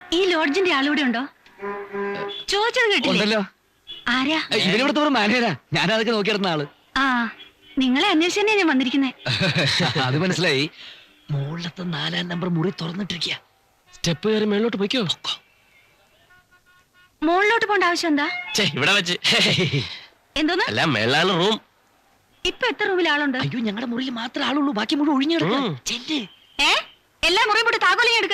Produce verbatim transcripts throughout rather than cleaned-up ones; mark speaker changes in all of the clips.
Speaker 1: ഈ ലോഡ്ജിന്റെ ആളൂടെ ഉണ്ടോ? ചോദിച്ചത് കേട്ടില്ലല്ലോ. ആരാ?
Speaker 2: ഇവരിവിടുത്തെ ഒരു മാനേജരാ. ഞാൻ അതൊക്കെ നോക്കിയിടുന്ന ആള്.
Speaker 1: ആ, നിങ്ങളെ അന്വേഷിച്ചു തന്നെ ഞാൻ വന്നിരിക്കുന്നേ.
Speaker 2: അത് മനസ്സിലായി. മുകളിലത്തെ നാലാം നമ്പർ മുറി തുറന്നിട്ടിരിക്കുക.
Speaker 3: സ്റ്റെപ്പ് കയറി മേളിലോട്ട് പോയിക്കോ.
Speaker 1: മുകളിലോട്ട് പോണ്ട ആവശ്യം എന്താ?
Speaker 3: ഇവിടെ വെച്ച്
Speaker 1: എന്തോന്ന്?
Speaker 3: അല്ല, മേളാണ് റൂം.
Speaker 1: ഇപ്പൊ എത്ര റൂമിൽ ആളുണ്ട്?
Speaker 2: അയ്യോ, ഞങ്ങളുടെ മുറിയിൽ മാത്രമേ ആളുള്ളൂ. ബാക്കി മുഴുവൻ ഒഴിഞ്ഞെടുക്കും.
Speaker 1: ഏ, എല്ലാ മുറിയും പോയിട്ട് താക്കോലി എടുക്ക.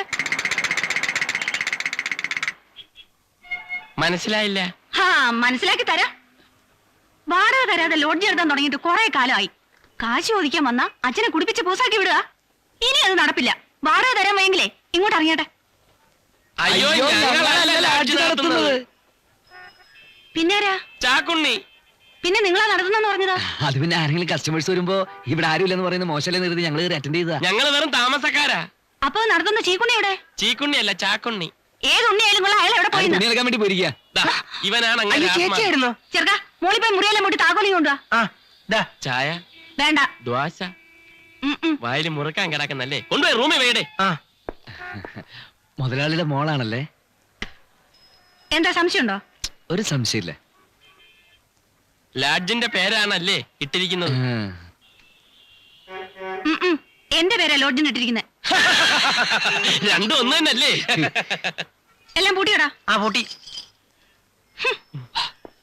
Speaker 3: മനസ്സിലായില്ല.
Speaker 1: ഹാ, മനസ്സിലാക്കി തരാം. വാടക തരാതെ ലോഡ്ജ് എടുത്താൻ തുടങ്ങിയിട്ട് കുറെ കാലമായി. കാശ് ചോദിക്കാൻ വന്ന അച്ഛനെ കുടിപ്പിച്ച് പൂസാക്കി വിടുക. ഇനി അത് നടപ്പില്ല. വാടക തരാൻ വയ്യെങ്കിലേ ഇങ്ങോട്ട് ഇറങ്ങിയട്ടെ.
Speaker 3: അയ്യോ, ഞങ്ങളല്ല ലോഡ്ജ് നടത്തുന്നത്.
Speaker 1: പിന്നാരാ?
Speaker 3: ചാക്കുണ്ണി.
Speaker 1: പിന്നെ നിങ്ങളാ നടത്തുന്നെന്ന് പറഞ്ഞതാ?
Speaker 2: അത് പിന്നെ ആരെങ്കിലും കസ്റ്റമേഴ്സ് വരുമ്പോ ഇവിടെ ആരുമില്ലെന്ന് പറയുന്നത് മോശമല്ലെന്ന് കരുതി ഞങ്ങൾ അറ്റൻഡ് ചെയ്താ.
Speaker 3: ഞങ്ങള് വെറും താമസക്കാരാ.
Speaker 1: അപ്പൊ നടത്തുന്ന ചീക്കുണ്ണി എവിടെ?
Speaker 3: ചീക്കുണ്ണി അല്ല, ചാക്കുണ്ണി.
Speaker 1: ഏത് ഉണ്ണിയായാലും കൊള്ളാം, അയാൾ എവിടെ പോയി?
Speaker 2: തുണി എടുക്കാൻ വേണ്ടി പോയിരിക്കുക.
Speaker 3: ഇവനാണ്
Speaker 1: ചെറുക്ക, മോളിപ്പോയി മുറിയെല്ലാം പോയിട്ട് താക്കോലി കൊണ്ടുവാ.
Speaker 3: ചായ
Speaker 1: വേണ്ട.
Speaker 3: ദ്വാശ വായിൽ മുറുക്കാൻ കിടക്കുന്നല്ലേ, കൊണ്ടുപോയി റൂമിൽ വേടേ.
Speaker 2: മുതലാളിയുടെ മോളാണല്ലേ?
Speaker 1: എന്താ സംശയമുണ്ടോ?
Speaker 2: ഒരു സംശയമില്ല.
Speaker 3: ലാഡ്ജിന്റെ പേരാണല്ലേ ഇട്ടിരിക്കുന്നത്?
Speaker 1: എന്റെ പേരാ ലോഡ്ജിന് ഇട്ടിരിക്കുന്നത്.
Speaker 3: രണ്ടും ഒന്ന് തന്നെയല്ലേ?
Speaker 1: എല്ലാം പൂട്ടിയോടാ?
Speaker 3: ആ പൂട്ടി.